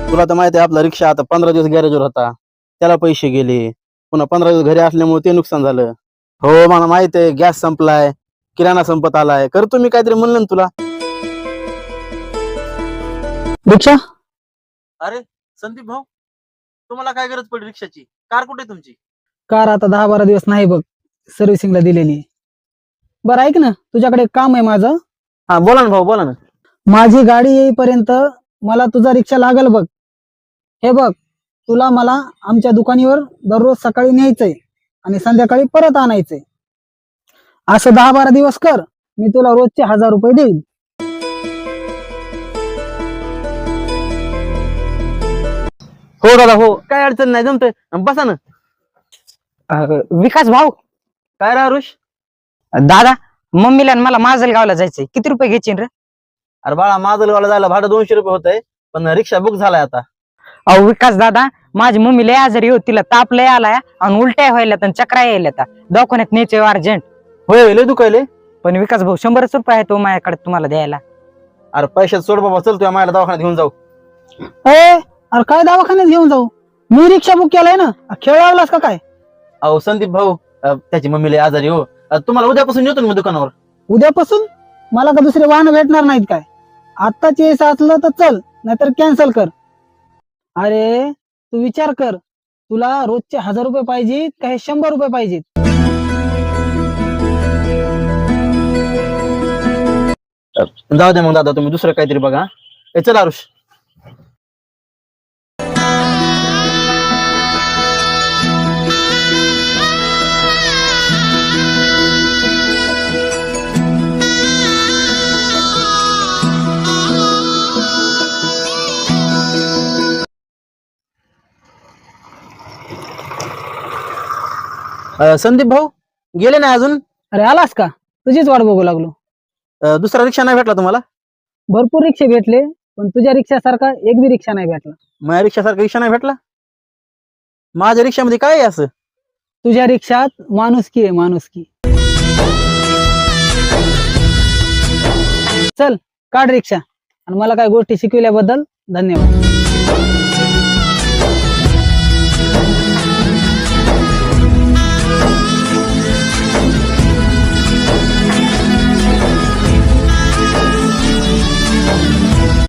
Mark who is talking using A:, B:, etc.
A: तुला तर माहिती आहे आपला रिक्षा आता 15 दिवस गॅरेजवर होता, त्याला पैसे गेले. पुन्हा 15 दिवस घरी असल्यामुळे ते नुकसान झालं. हो मला माहित आहे, गॅस संपलाय, किराणा संपत आलाय. करतो मी काहीतरी म्हणलं ना तुला.
B: रिक्षा
A: अरे संदीप भाऊ, तुम्हाला काय गरज पडली रिक्षाची? कार कुठे तुमची?
B: कार आता 10-12 दिवस नाही बघ, सर्व्हिसिंगला दिलेली. बरं ऐक ना, तुझ्याकडे एक काम आहे माझं.
A: हा बोला ना भाऊ, बोला ना.
B: माझी गाडी येईपर्यंत मला तुझा रिक्षा लागल बघ. हे बघ, तुला मला आमच्या दुकानीवर दररोज सकाळी न्यायचंय आणि संध्याकाळी परत आणायचंय. असं 10-12 दिवस कर, मी तुला रोजचे 1000 रुपये देईन.
A: हो दादा हो, काय अडचण नाही, जमतंय. बसा ना.
C: विकास भाऊ,
A: काय रे आरुष?
C: दादा मम्मीला आणि मला माजलगावला जायचंय, किती रुपये घ्यायचे रे?
A: अरे बाळा, माजलगावला जायला भाडं 200 रुपये होतंय, पण रिक्षा बुक झालाय आता.
C: अहो विकास दादा, माझी मम्मी लय आजारी होती, तिला ताप लय आलाय आणि उलट्या व्हायला आणि चक्रा यायला, दवाखान्यात न्यायचे अर्जंट.
A: होय लय दुखायले.
C: पण विकास भाऊ 100 रुपये आहे तो माझ्याकडे तुम्हाला द्यायला.
A: अरे पैशात सोड बाबा, चल तुझ्या मायला दवाखान्यात घेऊन जाऊ.
B: अरे काय दवाखान्यात घेऊन जाऊ? मी रिक्षा बुक केलाय ना, खेळ लावलास का काय?
A: अहो संदीप भाऊ, त्याची मम्मी लय आजारी हो. तुम्हाला उद्यापासून येतो ना मी दुकानावर.
B: उद्यापासून? मला का दुसरे वाहन भेटणार नाहीत काय? आत्ताच यायचं असलं तर चल, नाहीतर कॅन्सल कर. अरे तू विचार कर, तुला रोजचे 1000 रुपये पाहिजेत का हे 100 रुपये पाहिजेत?
A: जाऊ दे मग दादा, तुम्ही दुसरं काहीतरी बघा. चल आरुष. संदीप भाऊ गेले नाही अजून?
B: अरे आलास का? तुझीच वाट बघू लागलो.
A: दुसरा रिक्षा नाही भेटला तुम्हाला?
B: भरपूर रिक्षे भेटले, पण तुझ्या रिक्षासारखा एक बी रिक्षा नाही भेटला.
A: माझ्या रिक्षासारखा रिक्षा नाही भेटला? माझ्या रिक्षामध्ये काय आहे असं?
B: तुझ्या रिक्षात माणुसकी आहे, माणुसकी. चल काढ रिक्षा, आणि मला काय गोष्टी शिकविल्याबद्दल धन्यवाद.